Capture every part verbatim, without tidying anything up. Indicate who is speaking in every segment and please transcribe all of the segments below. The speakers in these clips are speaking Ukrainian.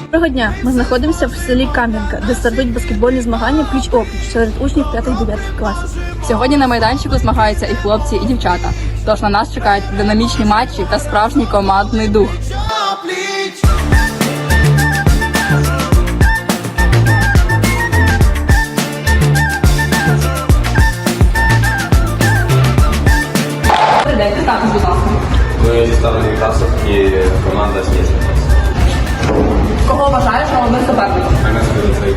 Speaker 1: Доброго дня! Ми знаходимося в селі Кам'янка, де стартують баскетбольні змагання пліч-опліч серед учнів п'ятих-дев'ятих класів.
Speaker 2: Сьогодні на майданчику змагаються і хлопці, і дівчата. Тож на нас чекають динамічні матчі та справжній командний дух. Добрий день, представтесь, будь ласка.
Speaker 3: Ми зі Старої Красовки і команда «Сніжна».
Speaker 2: Кого вважаєш головним суперником?
Speaker 3: Кам'янський ліцей.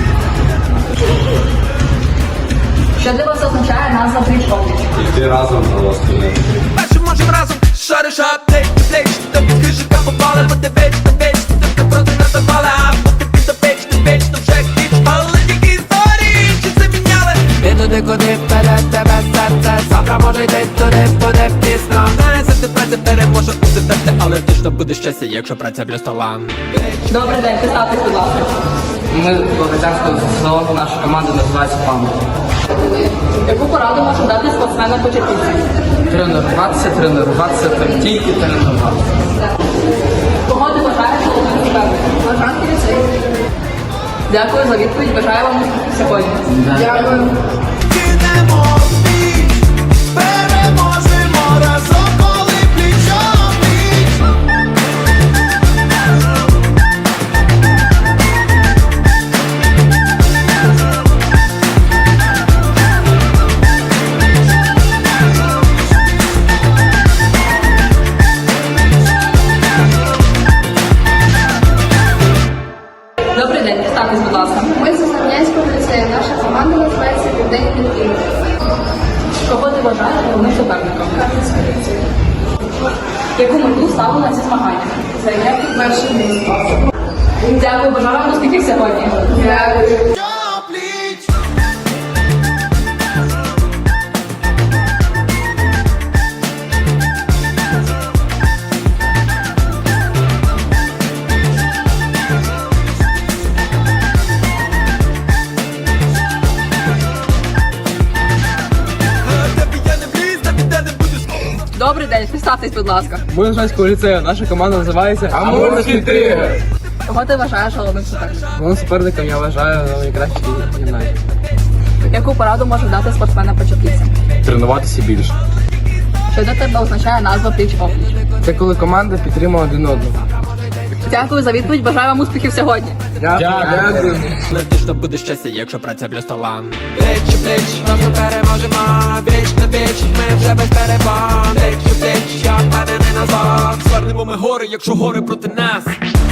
Speaker 2: Що для вас означає назва пліч-опліч?
Speaker 3: Йти разом на спільне.
Speaker 4: Першим можем разом шариш плеч до плеч. Тобі скрижика попали, бо ти веч на веч. Ти проти нас запали, а поки ти до печ, ти веч, то вже кліч. Але тільки історії, чи це міняли? Ти туди, куди вперед тебе серце. Завтра може йти туди, буде пісно. Знає, завжди праця переможе у серце. Але точно буде щастя, якщо праця плюс талант.
Speaker 2: Добрий день, представтесь, будь ласка.
Speaker 5: Ми Богатянського село, наша команда називається «Пам'ять».
Speaker 2: Яку пораду може дати спортсменам початківцям?
Speaker 5: Тренуватися, тренуватися, та тільки тренуватися.
Speaker 2: Кого ти вважаєш головним суперником? Бажанки ліцей. Дякую за відповідь. Бажаю вам успіхів сьогодні.
Speaker 5: Дякую.
Speaker 4: Кинемо в бій, переможемо разом, коли пліч-о-пліч.
Speaker 2: Добрий день, представтесь, будь ласка.
Speaker 6: Ми з Основ'янського ліцею. Наша команда називається «Південний Південь».
Speaker 2: Кого ти вважаєш головним суперником?
Speaker 6: Кам'янський ліцей.
Speaker 2: Яку мету ставили на ці змагання?
Speaker 6: Зайняти перше місце.
Speaker 2: Дякую, бажаю вам успіхів сьогодні.
Speaker 6: Дякую.
Speaker 4: Тебе я не вліз, на біде не буду.
Speaker 2: Добрий день, представтесь, будь ласка.
Speaker 5: Ми з Богатянського ліцею, наша команда називається «Амурський тигр».
Speaker 2: Кого ти вважаєш головним суперником?
Speaker 5: Головним суперником я вважаю найкращий гімназії.
Speaker 2: Яку пораду може дати спортсменам початківцям?
Speaker 5: Тренуватися більше.
Speaker 2: Що для тебе означає назва пліч-опліч?
Speaker 5: Це коли команда підтримує один одного.
Speaker 2: Дякую за відповідь. Бажаю вам успіхів сьогодні.
Speaker 5: Дякую.
Speaker 4: Але точно буде щастя, якщо праця плюс талант. Плеч у плеч, разом переможемо. Віч на віч, ми вже без перебан. Плеч у плеч, я впевнений назад. Звернемо ми гори, якщо гори проти нас.